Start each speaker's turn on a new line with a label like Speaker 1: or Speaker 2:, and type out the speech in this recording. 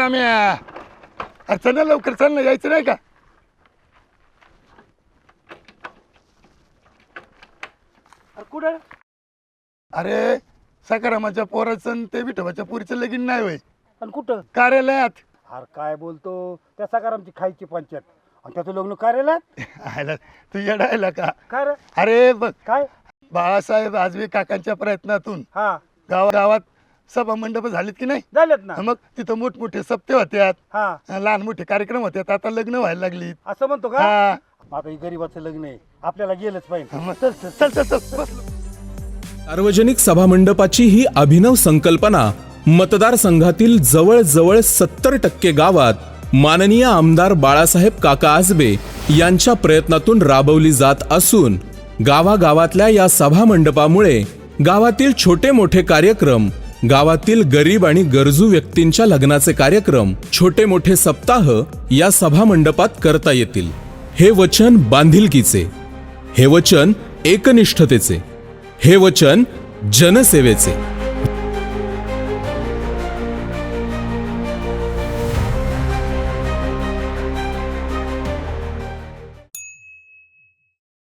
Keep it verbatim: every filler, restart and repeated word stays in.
Speaker 1: श्याम्या, अरे चल ना लवकर, चल ना, यायचं नाही का?
Speaker 2: कुठं?
Speaker 1: अरे सकारामाच्या पोराचं आणि ते विठोबाच्या पोरीचं लगीन नाही होय,
Speaker 2: आणि कुठं?
Speaker 1: कार्यालयात.
Speaker 2: अरे काय बोलतो, त्या सकारामची खायची पंचायत आणि त्याचं लग्न कार्यालयात?
Speaker 1: आयला तू येडायला का?
Speaker 2: काय रे?
Speaker 1: अरे बघ,
Speaker 2: काय?
Speaker 1: बाळासाहेब आजवे काकांच्या प्रयत्नातून
Speaker 2: हा
Speaker 1: गावा गावात सभा मंडप झालीत की नाही?
Speaker 2: झालेत ना.
Speaker 1: मग तिथं मोठमोठे सप्ते होत्यात,
Speaker 2: हा
Speaker 1: लहान मोठे कार्यक्रम होत्यात, आता लग्न व्हायला लागलीत.
Speaker 2: असं म्हणतो का?
Speaker 1: हा
Speaker 2: आता हे गरीबाचं लग्न आहे, आपल्याला गेलंच पाहिजे.
Speaker 1: मग चल चल चल चल चल बस.
Speaker 3: सार्वजनिक सभामंडपाची ही अभिनव संकल्पना मतदारसंघातील जवळजवळ सत्तर टक्के गावात माननीय आमदार बाळासाहेब काका आजबे यांच्या प्रयत्नातून राबवली जात असून गावागावातल्या या सभामंडपामुळे गावातील छोटे मोठे कार्यक्रम, गावातील गरीब आणि गरजू व्यक्तींच्या लग्नाचे कार्यक्रम, छोटे मोठे सप्ताह या सभामंडपात करता येतील. हे वचन बांधिलकीचे, हे वचन एकनिष्ठतेचे, हे वचन जनसेवेचे.